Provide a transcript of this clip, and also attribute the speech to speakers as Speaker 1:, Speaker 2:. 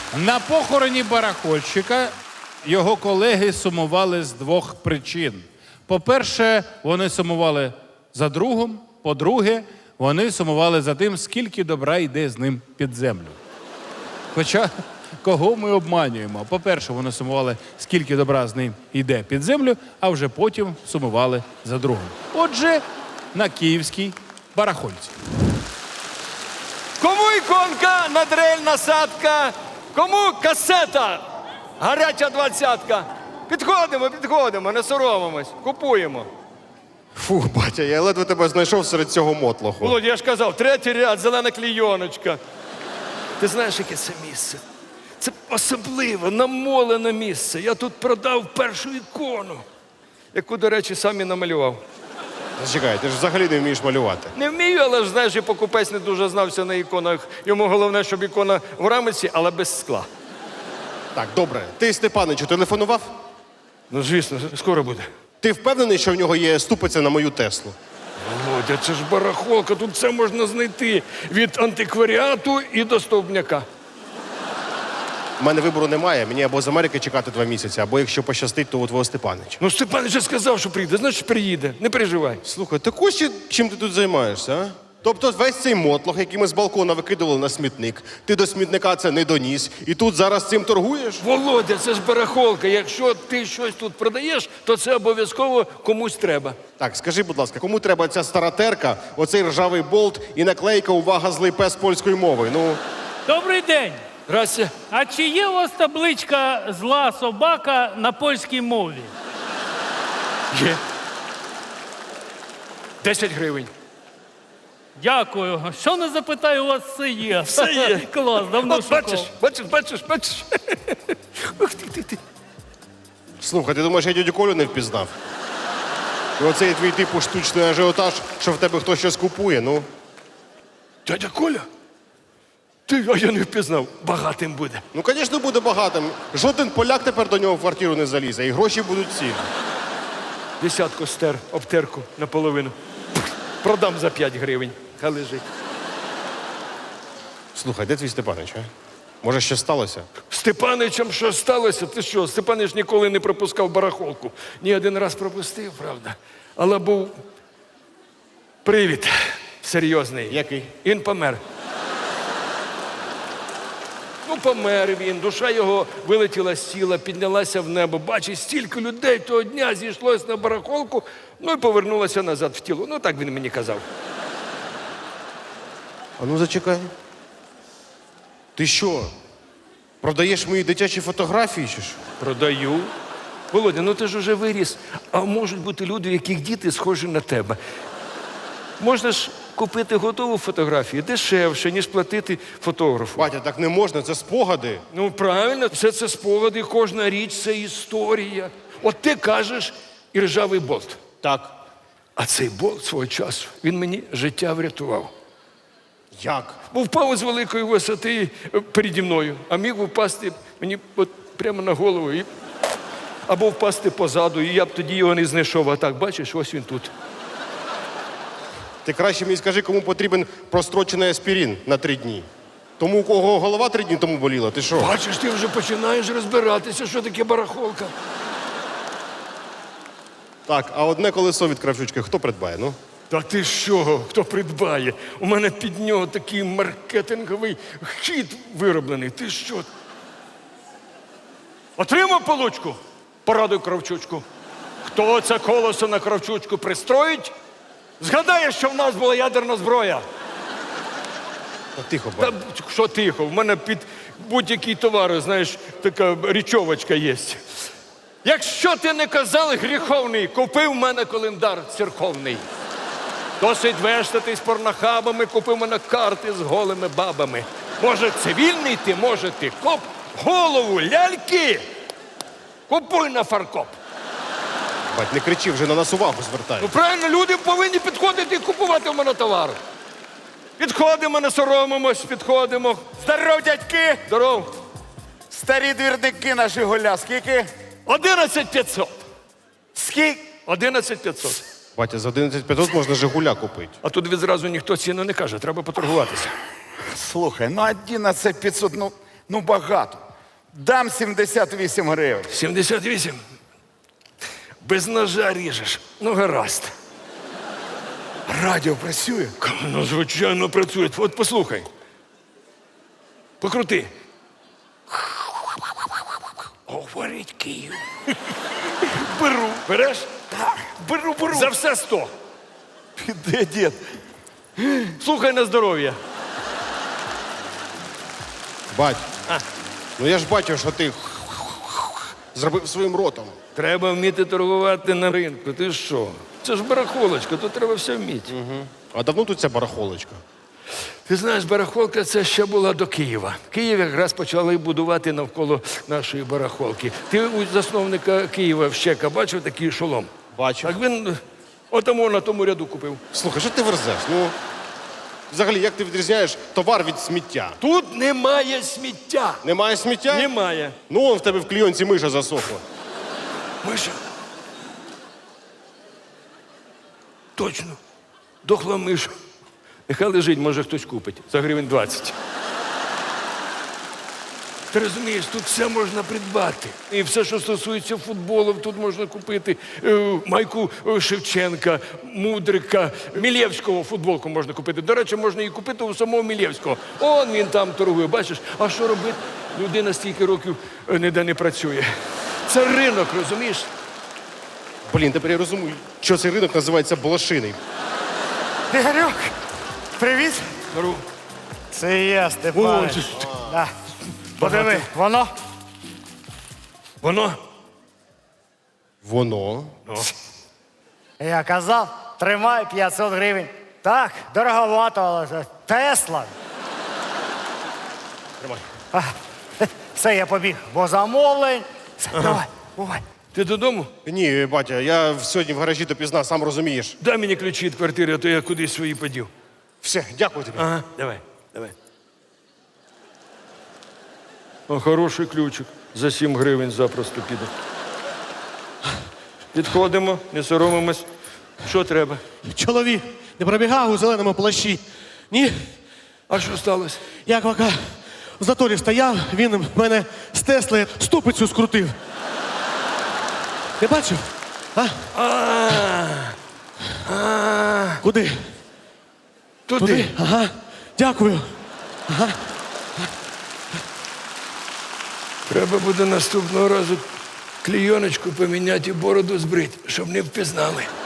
Speaker 1: На похороні барахольщика його колеги сумували з двох причин. По-перше, вони сумували за другом. По-друге, вони сумували за тим, скільки добра йде з ним під землю. Хоча, кого ми обманюємо? По-перше, вони сумували, скільки добра з ним йде під землю, а вже потім сумували за другом. Отже, на київській барахольці.
Speaker 2: Кому іконка, надрель, насадка, кому касета, гаряча двадцятка. Підходимо, не соромимось, купуємо.
Speaker 3: Фу, батя, я ледве тебе знайшов серед цього мотлоху.
Speaker 2: Володь, я ж казав, третій ряд, зелена клійоночка. Ти знаєш, яке це місце? Це особливе, намолене місце. Я тут продав першу ікону, яку, до речі, сам і намалював.
Speaker 3: Зачекай, ти ж взагалі не вмієш малювати.
Speaker 2: Не вмію, але ж, знаєш, і покупець не дуже знався на іконах. Йому головне, щоб ікона в рамиці, але без скла.
Speaker 3: Так, добре. Ти Степаничу телефонував?
Speaker 2: Ну, звісно, скоро буде.
Speaker 3: Ти впевнений, що в нього є ступиця на мою Теслу?
Speaker 2: Володя, це ж барахолка, тут все можна знайти. Від антикваріату і до стовбняка.
Speaker 3: У мене вибору немає, мені або з Америки чекати 2 місяці, або якщо пощастить, то у твого Степанича.
Speaker 2: Ну, Степан вже сказав, що прийде, значить приїде, не переживай.
Speaker 3: Слухай, так ось чим ти тут займаєшся, а? Тобто весь цей мотлох, який ми з балкона викидували на смітник, ти до смітника це не доніс, і тут зараз цим торгуєш?
Speaker 2: Володя, це ж барахолка. Якщо ти щось тут продаєш, то це обов'язково комусь треба.
Speaker 3: Так, скажи, будь ласка, кому треба ця стара терка, оцей ржавий болт і наклейка «Увага, злий пес» польською мовою? Ну,
Speaker 4: Добрий день.
Speaker 2: Здрасте.
Speaker 4: А чи є у вас табличка «Зла собака» на польській мові?
Speaker 2: Є. 10 гривень.
Speaker 4: Дякую. Що не запитаю, у вас все є.
Speaker 2: Все є.
Speaker 4: Клас, давно
Speaker 2: От
Speaker 4: шукав.
Speaker 2: бачиш. Ух ти.
Speaker 3: слухай, ти думаєш, я дядю Колю не впізнав? І оцей твій типу штучний ажіотаж, що в тебе хтось щось купує, ну.
Speaker 2: Дядя Коля? А я не впізнав. Багатим буде.
Speaker 3: Ну, звісно, буде багатим. Жоден поляк тепер до нього в квартиру не залізе, і гроші будуть ці.
Speaker 2: Десятку стер, обтерку наполовину. Продам за 5 гривень. Хай лежить.
Speaker 3: Слухай, де твій Степанич, а? Може, що сталося?
Speaker 2: Степаничем що сталося? Ти що, Степанич ніколи не пропускав барахолку. Ні, один раз пропустив, правда. Але був привід серйозний.
Speaker 3: Який?
Speaker 2: Він помер. Ну, помер він, душа його вилетіла з тіла, піднялася в небо. Бачить, стільки людей того дня зійшлось на барахолку, ну і повернулося назад в тіло. Ну, так він мені казав.
Speaker 3: А ну, зачекай. Ти що, продаєш мої дитячі фотографії, чи що?
Speaker 2: Продаю. Володя, ну ти ж уже виріс. А можуть бути люди, у яких діти схожі на тебе. Можна ж купити готову фотографію дешевше, ніж платити фотографу.
Speaker 3: Батя, так не можна, це спогади.
Speaker 2: Ну, правильно, все це спогади, кожна річ – це історія. От ти кажеш і ржавий болт.
Speaker 3: Так.
Speaker 2: А цей болт свого часу, він мені життя врятував.
Speaker 3: Як?
Speaker 2: Бо впав з великої висоти переді мною, а міг впасти мені от прямо на голову. Або впасти позаду, і я б тоді його не знайшов. А так, бачиш, ось він тут.
Speaker 3: Ти краще мені скажи, кому потрібен прострочений аспірин на 3 дні. Тому, у кого голова 3 дні тому боліла, ти що?
Speaker 2: Бачиш, ти вже починаєш розбиратися, що таке барахолка.
Speaker 3: Так, а одне колесо від кравчучки хто придбає, ну?
Speaker 2: Та ти що, хто придбає? У мене під нього такий маркетинговий хід вироблений. Ти що? Отримав получку? Порадуй кравчучку. Хто це колесо на кравчучку пристроїть? Згадає, що в нас була ядерна зброя.
Speaker 3: Та тихо,
Speaker 2: Та
Speaker 3: бать.
Speaker 2: що тихо, в мене під будь-який товар, знаєш, така річовочка є. Якщо ти не казав гріховний, купив в мене календар церковний. Досить вештатись порнохабами, купив мене карти з голими бабами. Може, цивільний ти, може, ти коп, голову ляльки. Купуй на фаркоп.
Speaker 3: Бать, не кричи, вже на нас увагу звертай.
Speaker 2: Ну, правильно, люди повинні підходити і купувати в мене товар. Підходимо, не соромимось, підходимо.
Speaker 5: Здоров, дядьки!
Speaker 2: Здоров.
Speaker 5: Старі двірники на Жигуля. Скільки?
Speaker 2: 11500.
Speaker 5: Скільки?
Speaker 2: 11500.
Speaker 3: Батя, за 11500 можна Жигуля купити.
Speaker 2: А тут відразу ніхто ціну не каже, треба поторгуватися.
Speaker 5: Слухай, ну 11500, ну Ну, багато. Дам 78 гривень.
Speaker 2: 78? Без ножа ріжеш. Ну, гаразд.
Speaker 5: Радіо працює.
Speaker 2: Ну, звичайно, працює. От послухай. Покрути. Говорить Київ.
Speaker 5: Беру.
Speaker 2: Береш?
Speaker 5: Так, беру.
Speaker 2: За все 100.
Speaker 5: Де дід?
Speaker 2: Слухай на здоров'я.
Speaker 3: Бать, ну я ж бачив, що ти зробив своїм ротом.
Speaker 2: Треба вміти торгувати на ринку. Ти що? Це ж барахолочка, тут треба все вміти.
Speaker 3: А давно тут ця барахолочка?
Speaker 2: Ти знаєш, барахолка це ще була до Києва. Київ якраз почали будувати навколо нашої барахолки. Ти у засновника Києва Вщека бачив такий шолом?
Speaker 3: Бачив.
Speaker 2: Так він отому на тому ряду купив.
Speaker 3: Слухай, що ти верзеш? Ну, взагалі, як ти відрізняєш товар від сміття?
Speaker 2: Тут немає сміття.
Speaker 3: Немає сміття?
Speaker 2: Немає.
Speaker 3: Ну, он в тебе в клійонці миша засохла.
Speaker 2: Миша. Точно. Дохла миша. Нехай лежить, може хтось купить. За гривень 20. Ти розумієш, тут все можна придбати. І все, що стосується футболу, тут можна купити майку Шевченка, Мудрика, Мілєвського футболку можна купити. До речі, можна її купити у самого Мілєвського. Он він там торгує, бачиш? А що робити? Людина стільки років ніде не працює. Це ринок, розумієш?
Speaker 3: Блін, тепер я розумію, що цей ринок називається Балашиний.
Speaker 5: Ігорюк, привіт.
Speaker 2: Здоров.
Speaker 5: Це я, Степан. Да. Подиви, воно.
Speaker 2: Воно?
Speaker 3: Воно.
Speaker 5: Я казав, тримай 500 гривень. Так, дороговато, але це Тесла.
Speaker 3: Тримай.
Speaker 5: Все, я побіг, бо замовлень. Все, давай, бувай.
Speaker 2: Ти додому?
Speaker 3: Ні, батя, я сьогодні в гаражі допізна, сам розумієш.
Speaker 2: Дай мені ключі від квартири, а то я кудись свої подів.
Speaker 3: Все, дякую тобі.
Speaker 2: Ага, давай. О, хороший ключик. За 7 гривень запросто піде. Підходимо, не соромимось. Що треба?
Speaker 6: Чоловік не пробігав у зеленому плащі. Ні,
Speaker 2: А що сталося?
Speaker 6: я поки в заторі стояв, він мене з Тесли ступицю скрутив. Ти бачив? Куди?
Speaker 2: Туди.
Speaker 6: Ага. Дякую.
Speaker 2: Треба буде наступного разу клійоночку поміняти і бороду збрити, щоб не впізнали.